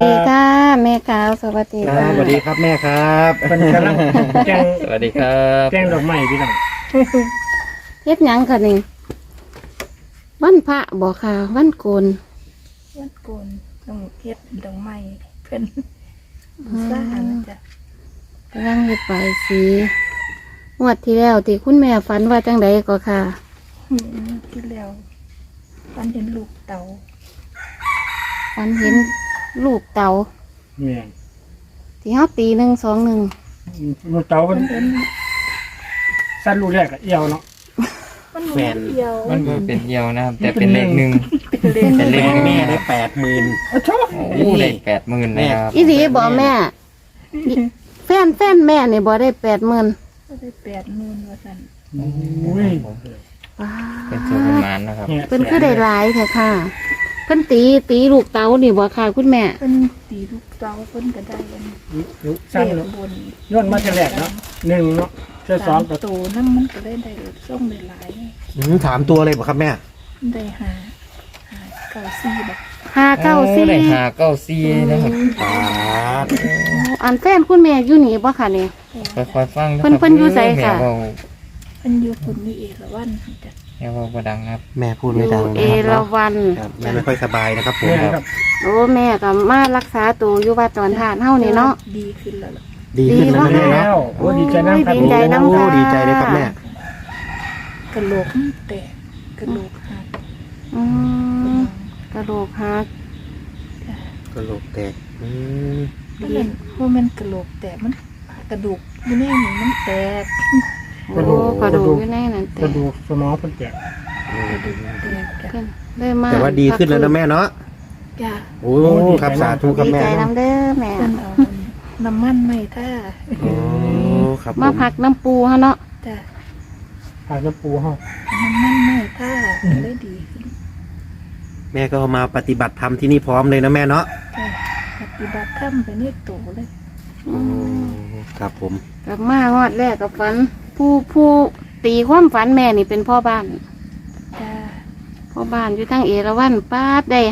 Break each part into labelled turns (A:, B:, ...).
A: สวัสดีค่ะแม่ขาวสวัสดี
B: ค
A: ค่ะ
B: รับสวัสดีครับแม่ครับ
C: เป็นกำลังแจ้ง
D: สวัสดีครับ
C: แจ้งดอกไม้พี่น้อง
A: เฮ็ดหยังค่ะนี่วันพระบอกค่ะวันโกน
E: วัดโกนต้องเฮ็ดดอกไม้เพิ่นสร้างนะจ๊ะ
A: กำลังเฮ็ดใบายสีงวดที่แล้วที่คุณแม่ฝันว่าจังใดก็ค่ะ
E: ที่แล้วฝันเห็นลูกเต่า
A: ฝันเห็นลูกเต่า
C: เนี่ย
A: ที่เฮาตี1 2 1
C: ลูกเต่ามัน
E: เห็น
C: สั้นลูกแรกกับเอียวเนาะ
E: มันเหมือนเดียว
D: มันเป็นเดียวนะครับ แต่เป็นเลขหนึ่ง
E: เป็นเลข
D: เป็นเลขหนึ่ง
B: แม่ได้80,000
C: โอ้โห
D: โอ้เลข80,000นะครับ
A: อีหลีบ่แม่แฟนแม่นี่บ่ได้80,000
E: ก็ได้80,000ว่าซั่น
C: อุ้ย
A: ว้า
D: เป็นสูตรประมาณนะครับ
C: เนี่ย
A: เพิ่นคือได้หลายแท้ค่ะเพิ่นตีลูกเต่านี่บ่ค่ะคุณแม่
E: เพิ่นตีลูกเต่าเพิ่นก็ได้อัน
C: ลูก
E: เล
C: สั้น
E: ข
C: เนาะ
E: บน
C: ย้อนมาจะแรกเนาะหนึ่งเนาะเจ้าสองกับ
E: โตนำมันก็ได้ส่งได้หลาย
B: ถามตัวเลยบ่ครับแม่
E: ได้หาเก้าซี่แบบ
A: 594
D: ได้594นะครับ
B: ครับ
A: อันแฟนคุณแม่อยู่นี่บ่ค่ะนี่
D: ค่อยๆฟัง
A: เพิ่นอยู่ไสค่ะ
D: แม่เว้า
E: เพิ่นอยู่คุณมีเอราวัณจ้ะ
D: แม่เว้าบ่ดังนะครับ
B: แม่พูดไม่ดัง
A: เอ
B: นะครับ
A: ราวัณ
B: ครับแม่ไม่ค่อยสบายนะครับผม
C: เนี่ยครับ
A: โอ้แม่ก็มารักษาตัวอยู่วัดตอนทานเฮานี่เนาะ
E: ดีขึ้นแล้วล่ะ
B: ดีขึ้นแล้วนะแม่
C: แล้
B: เนาะ
C: วโอ้ดีใจน้ำครับ
A: ดีใจน้ำ
B: โอ้
A: ค่ะ
B: ดีใจเลยครับแม่
E: กระโหลกมันแตกกระโหลกหัก
A: อืมกระโหลกหัก
B: กระโหลกแตก
E: มันเป็นโมเมนกระโหลกแตกมันกระดูกอยู่ในนี่มันแตก
A: โอ้กระดูกอยู่ในนั้น
C: ก
A: แต่
C: ระดูกสมองเพิ่นแตก
E: กระดูกแตกจ้ะ
A: ขึ้นเลยมา
B: แต่ว่าดีขึ้นแล้วนะแม่เนาะ
E: จ้ะ
B: โอ้ครับสาธุครับ
A: ดี
B: แม่
A: ใจน้ำเด้อแม่
E: เพิ่นเอาน้ำมันไม่ท่า
B: โอ้ครับ
A: มาพักน้ำปูเฮาเนาะ
E: จ้ะ
C: ผากระปูห้อง
E: น้ำมันไม่ท่าก็เลยดีขึ้น
B: แม่ก็มาปฏิบัติธรรมที่นี่พร้อมเลยนะแม่เนาะ
E: จ้ะปฏิบัติธรรมไปในตัวเลย
B: โอ้ครับผม
A: กลับมางอดแรกกับฝัน ผู้ตีความฝันแม่นี่เป็นพ่อบ้าน
E: จ้ะ
A: พ่อบ้านอยู่ทั้งเอราวัณป้าดได้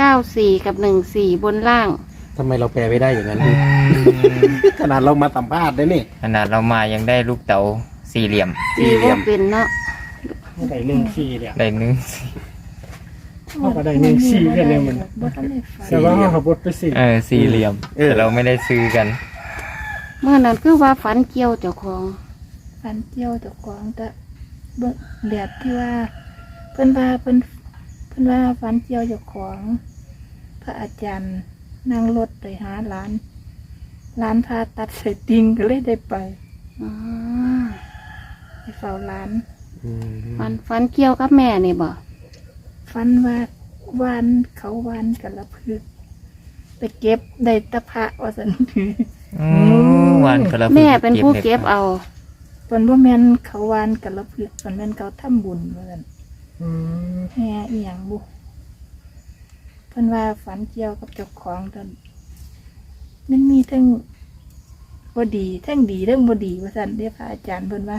A: 594กับ14บนล่าง
B: ทำไมเราแปลไม่ได้อย่างนั้นขนาดเรามาสัมภาษณ์ได้นี่
D: ขนาดเรามายังได้ลูกเต๋าสี่เหลี่ยม
A: ตีบ่เป็นเนาะ
C: ได้หนึ่งสี่เนี่ย
D: ได้หนึ่ง
C: เขาก็ได้หนึ่งสี่แค่นี้มัน
E: บ่ทันได้ฝัน
C: แต่ว่าเขาขับรถไปสี่
D: สี่เหลี่ยมแต่เราไม่ได้ซื้อกัน
A: เมื่อนั้นคือว่าฝันเกี่ยวเจ้าของ
E: ฝันเจียวเจ้าของแต่เบิ่งเหลียดที่ว่าเพิ่นว่าฝันเจียวเจ้าของ พระอาจารย์นั่งรถไปหาหลานพาตัดใส่ติงก็เลยได้ไป
A: อ๋อ
E: ไปเฝ้าหลาน
A: ฝันเกี่ยวกับแม่นี่บ่
E: ฝันว่าวานเขาวานกันละพึกไปเก็บได้ตะพระว่าสัน
D: วันกระ
A: แม่เป็นผู้เก็บเอา
E: เพิ่นบ่แม่นเขาวานกันละพึกเพิ่นแม่นเขาทำบุญว่าซั่น
C: อืม
E: แห่อีหยังบุเพิ่นว่าฝันเกี่ยวกับเจ้าของตอนมันมีทั้งบ่ดีทั้งดีทั้งบ่ดีว่าซั่นเด้อพระอาจารย์เพิ่นว่า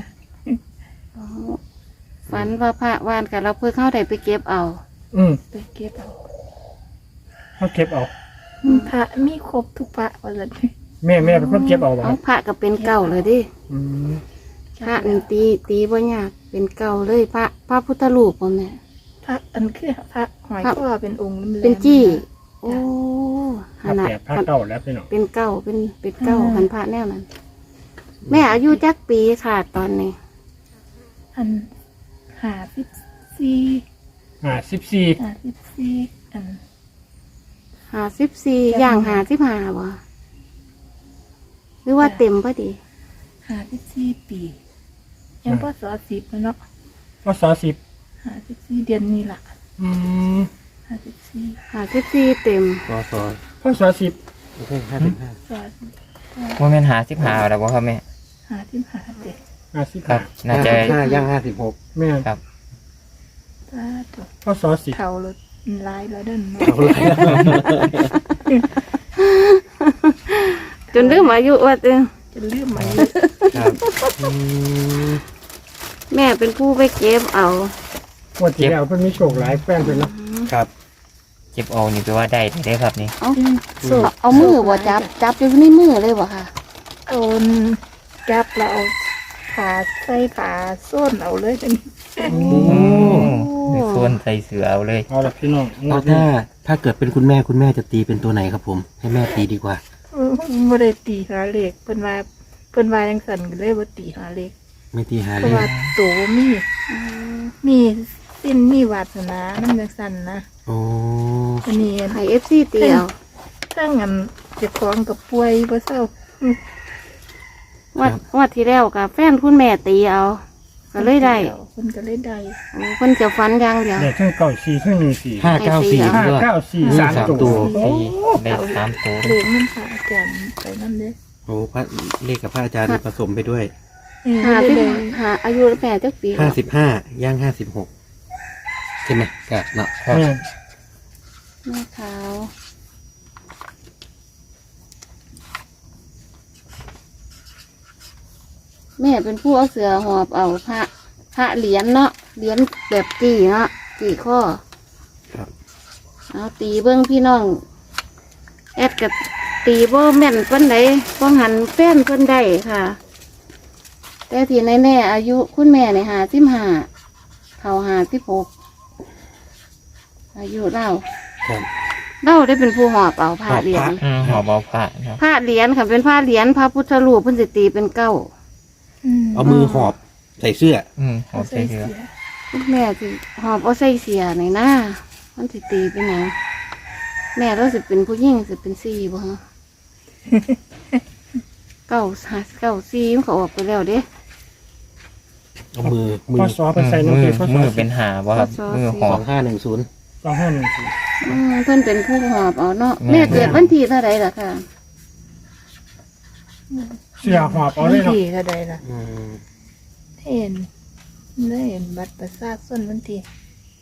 A: ฝันว่าพระวานกับเราเพื่อเข้าได้ไปเก็บเอา
C: อืม
E: ไปเก็บเอา
C: เขาเก็บเอา
E: พระมีครบทุกพระว่าซั่น
C: แม่เป็นคนเก็บเอาบ่
A: เอาพระก็เป็นเก่าเลยดิ
C: อืม
A: พระนี่ตีบ่ยากเป็นเก่าเลยพระพุทธรูปบ่แม่
E: พระอันคือพระหอยข้อเป็นองค์แหลมๆ
A: เป็นจี้โอ้ข
C: ผ้า
A: นาด
C: แปดผ้าเก่าแล้วพี่น้อง
A: เป็นเก่าเป็นเก่ากันพระแนวนั้น แม่อายุจักปีค่ะตอนนี้
E: อัน54
C: 14
E: อัน
A: 54ย่าง55บ่หรือว่าเต็มพอดี
E: 54ปียังพศ10แล้วเนาะ
C: พศ10
E: 54เดือนนี้ล่ะ
C: อืม
E: 54
A: 54เต็ม
B: กศ
C: พศ10
B: ไม่ใช่55
E: ศ
D: ว่าแม่น55แล้วบ่ครับแม่
E: 55เด็ก
C: 50
D: ครับ น่าจะ
B: 55ย่าง56
C: แม่
D: ครับ
E: สาธุ
C: พศ10
E: เท่ารถลายแล้วเดิน
B: เอาเลย
A: จนลืมอายุว่าเด้อ
E: จะลืมมัน
B: ครับม
A: แม่เป็นผู้ไปเก็บเอา
C: วันที่แล้วเพิ่นมีโชคหลายแป้งเพิ่นเนาะ
B: ครับ
D: เจ็บเอานี่แปลว่าได้ได้ครับนี่
A: เอามือบ่จับอยู่ในมือเลยบ่ค่ะ
E: เอาจับแล้วเอาขาใส่ขาส้นเอาเลยจัง
D: โอ้ส่วนใส่เสือเอาเลย
C: เอาละพี่น้องงว
B: เอา
C: ดนี้
B: ถ้าเกิดเป็นคุณแม่จะตีเป็นตัวไหนครับผม ให้แม่ตีดีกว่า
E: บ่ได้ตีหาเลขเพิ่นว่าจังซั่นก็เลยบ่ตีหาเลข
B: ไม่ตีหา
E: เพ
B: เล
E: ราะ
B: ย
E: ว่าตัวมีสิ้นมีวาสนานั่นจังซั่นนะ
B: โอ้
E: อันนี้
A: ให้ FC ตีเอา
E: ถ้างั้นเจ้าของกับป่วยบ่เศร้า
A: วัดที่แล้วกับแฟนคุณแม่ตีเอาก็เลยได้
E: เพิ่นก็เลยได้
A: โอ้เพิ่นจะฝันอย่างเดียว
C: เดี๋ยวเครื่องเก่าสี่เครื่องหนึ่งสี่
B: 594
C: ห้า
B: ด้วย
C: เก้าสี่
B: อืม
C: สาม
B: สามตั
C: ตัว ว
D: ได้3ตัว
E: เลขมันพาอาจารย์ไปนำเด้อ
B: โอ้พระเลขกับพระอาจารย์ผสมไปด้วย
A: หา
E: ได้
A: ที่
E: เลย
A: หาอายุแม่จักปี
B: 55ย่าง56ใช่ไหมกะเนาะ
D: ครับ
C: เนี่ย
A: แม่ขาวแม่เป็นผู้เอาเสือหอบเอาพระเหรียญเนาะเหรียญแบบกี่เนาะกี่ข้อ
B: ครับ
A: เอาตีเบิ้งพี่น้องแอดกับตีบ่แม่นเพิ่นใดบ่หันแฟนเพิ่นได้ค่ะ แต่ที่แน่ๆอายุคุณแม่ใน55เขา56อายุเล่า
B: ครับ
A: เล่าได้เป็นผู้หอบเอาผ้าเหรียญ
D: หอบเอาผ้าครับ
A: ผ้าเหรียญค่ะเป็นผ้าเหรียญพระพุทธรูปเพิ่นสิตีเป็นเก้า
B: เอามือหอบใส่เสื้อ
D: หอบใส่เสือ
A: คุณแม่สิหอบเอาใส่เสียในหน้ามันสิตีเป็นหยังแม่เราสิเป็นผู้หญิงสิเป็น4บ่ฮะ เก้า4มันก็ออกไปแล้วเด้
B: เอามือ
C: พอสอไปใส่น้อง
D: มื
C: เก
D: อ
C: พอส
D: มื
C: อ
D: อเป็นหาบ่ครับ
A: ข้อศอก
D: มือหอบ
B: 2510
C: 2514
A: เพิ่นเป็นผู้หอบเอาเนาะ
D: แม่
A: แม่เกิดวันที่เท่าไหร่ล่ะค่ะ
C: เสียหอบเอาเลยเนาะ
E: ที่เท่าใดล่ะ
B: อืม
E: เห็นบัตรประชาชนวันที่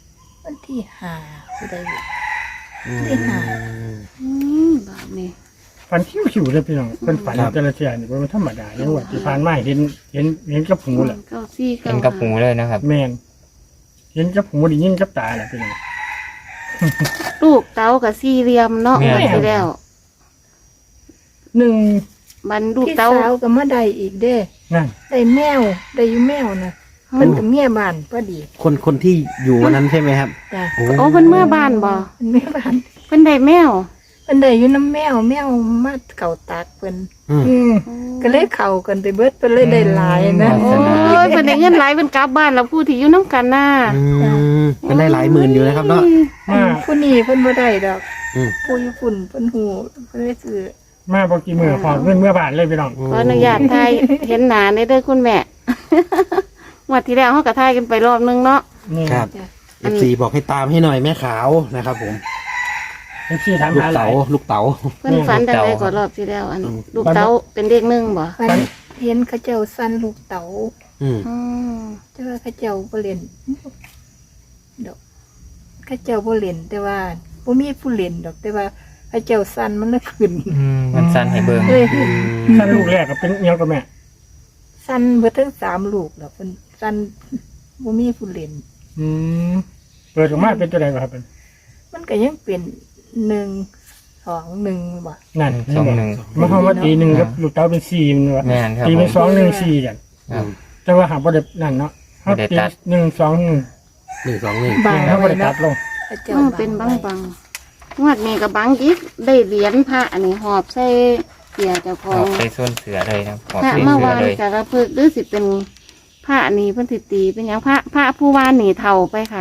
E: 5สิได้อยู่ ที่หา
A: บาปนี่
C: ฝันคิวๆเลยพี่น้องเป็นฝันแต่ละเทียนี่มันธรรมดาอย่างว่าที่ผ่านมาเห็นกับหูแหละ
A: เก้าสี่
D: เห็นกับหูเลยนะครับ
C: แมนเห็นกับหูไดียินกับตาแหละพี่น้อง
A: ลูกเต้ากับสี่เหลี่ยมเนาะ
D: แม่
A: ไปแล้ว
C: หนึ่ง
A: มันลูก
E: พี่
A: เต้า
E: สาวก็มาได้อีกเด้
C: นั่น
E: ได้แมวได้อยู่แมวนะเพิ่นกับเมียบ้านพอดี
B: คนที่อยู่วันนั้นใช่ไหมครับ
E: จ้ะ
B: โอ้
A: โอ้เพิ่นเมื่อบ้านบ่
E: เป็นเมียบ้าน
A: เพิ่นได้แมว
E: เพิ่นได้อยู่น้ำแมวมาเก่าตากเพิ่น
B: อืม
C: อืม
E: ก็เลยเข้ากันไปเบิดเพิ่นเลยได้หลายนะ
D: อื
A: โอ้ยเพิ่นได้เงินหลายเพิ่นกลับบ้านแล้วผู้ที่อยู่น้ำกันน่ะ
B: เป็นได้หลายหมื่นอยู่นะครับเนาะ
E: อันผู้นี้เพิ่นบ่ได้ดอก
B: อืม
E: ผู้ญี่ปุ่นเพิ่นหูเพิ่นเลยซื้อ
C: มาบอกกี่มือหอบเงินเมื่อบาทเลยพี่น้อง
A: ขออนุญาตถ่ายเห็นหน้าในเด้อคุณแม่ งวดที่แล้วเฮาก็ถ่ายกันไปรอบนึงเนาะ
C: นี่
B: ครับ
E: จ้ะ
B: FC บอกให้ตามให้หน่อยแม่ขาวนะครับผม
C: เอฟซีถาม
B: ลูก
C: หาหลา
B: เต๋าย ลูกเต๋า
A: เพิ่นฝันจังได๋ก็รอบที่แล้วอัน
B: อืม
A: ลูกเต้าเป็นเด็กหนึงบ่
E: ฝันเห็นเขาเจ้าสั้นลูกเต๋า
B: อืม
A: อืม
E: แต่ว่าเขาเจ้าบ่เล่นดอกเขาเจ้าบ่เล่นแต่ว่าบ่มีผู้เล่นดอก แต่ว่าเขาเจ้าสั้นมันเลยขึ้น
D: มันสั่นให้เบิ่ง
E: เลย
C: ท่านลูกแรกก็เป็นเมียกับแม่
E: สั้นเบิดทั้ง3ลูกดอกเพิ่นสั้นบ่มีผู้เล่น
C: อืมเปิดออกมาเป็นตัวใดบ่ครับเป็น
E: มันก็ยังเป็น1 2 1บ่
C: นั่น
D: สองหนึ่ง
C: มาเข้ามาตีหนึ่งกับลูกเต้าเป็นสี่มันวะ
D: แม่นครับ
C: ตีเป็น
D: ผม
C: 2 1 4กัน
D: ครับ
C: แต่ว่าหาบ่ได้นั่นเนาะเขา
D: บ่ได้
C: ตี
D: ตัด
C: 1 2 1
B: 121
E: บาง
C: เขาบ่
E: ไว้
C: ได้ตั
E: นะ
C: ดลง
E: เขาเจ้า
A: มันเป็นบังงวดนี้ก็บังอีกได้เหรียญพระอันนี้หอบใส่เสียเจ้าข
D: ห
A: อ
D: อง บใส่ส่วนเสือเลยนะหอบ
A: พระ
D: ใส่
A: เมื่อ
D: เสือ
A: วาน
D: เลย
A: จะระพึกษ์หรือสิเป็นพระนี่เพิ่นสิตีเป็นหยังพระผู้วานหนีเท่าไปค่ะ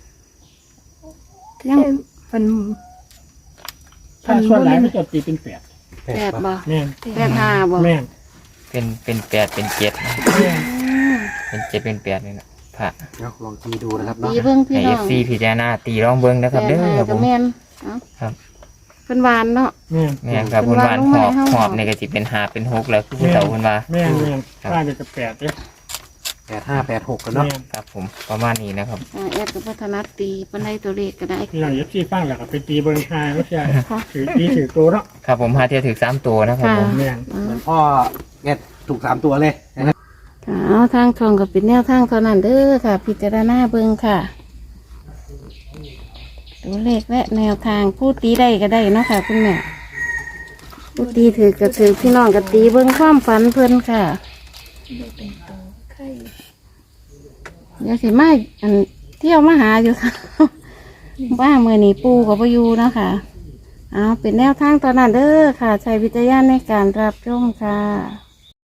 E: ยังมัน
C: ถ้าส่วนหลายมันจะตีเป็นแปด
A: แปดบ่
C: แม่น
A: 8 5บ่
C: แม่น
D: เป็นแปดเป็นเจ็ดนะ
C: แม่น
D: เป็นเจ็ดเป็นแปดเลยนะพระ
B: เอาลองตีดูนะครับ
A: ตี
B: เนาะ
A: เบิ่งพี่
D: ให้
A: น้
D: เอ
A: อง
D: ฟซีพิจารณาตีร้องเบิ้งนะครับเด้อครับผ
A: ก็
D: ม
A: แม่นเอ้า
D: ครับ
A: เพิ่นวานเนาะ
C: แม่น
D: แม่นครับ
A: เป็
D: คุ
A: น
D: ณ
A: วาว
D: าน น
A: ลง
D: ห
A: มา
D: อบ
A: ให้เฮา
D: หอบในกระจิเป็นหาเป็นหกแล้วคือผู้เฒ่าคุณว่า
C: แม่นแม่น
D: ครับ
C: บ้านเด็กกับแปดเนี่ย
B: 8586กันเนาะ
C: แม่น
D: ครับผมประมาณนี้นะครับ
A: แอดกับพัฒนาตีปานใดตัวเลขก็ได้
C: พี่น้องเอฟซีฟังแล้วก็ไปตีเบิ่งหาไม่ใช่
A: ค่ะ
C: ถือตีถือตัวเนาะ
D: ครับผมหาเทียถือ3ตัวนะครับผม
C: แม่น
B: เหมือนพ่อแกถูก3ตัวเลยนะครับ
A: เอาทางช่องก็เป็นแนวทางเท่านั้นเด้อค่ะ พิจารณาเบิ่งค่ะตัวเลขและแนวทางผู้ตีได้ก็ได้เนาะค่ะคุณแม่ผู้ตีถือก็ถือพี่น้องก็ตีเบิ่งความฝันเพิ่นค่ะ
E: ได้เป็นโตไข่
A: เดี๋ยวสิมาอันเที่ยวมาหาอยู่ค่ะ ว่ามือนี้ปูกับพยูเนาะค่ะเอาเป็นแนวทางตอนนั้นเด้อค่ะใช้วิจารณญาณในการรับชมค่ะ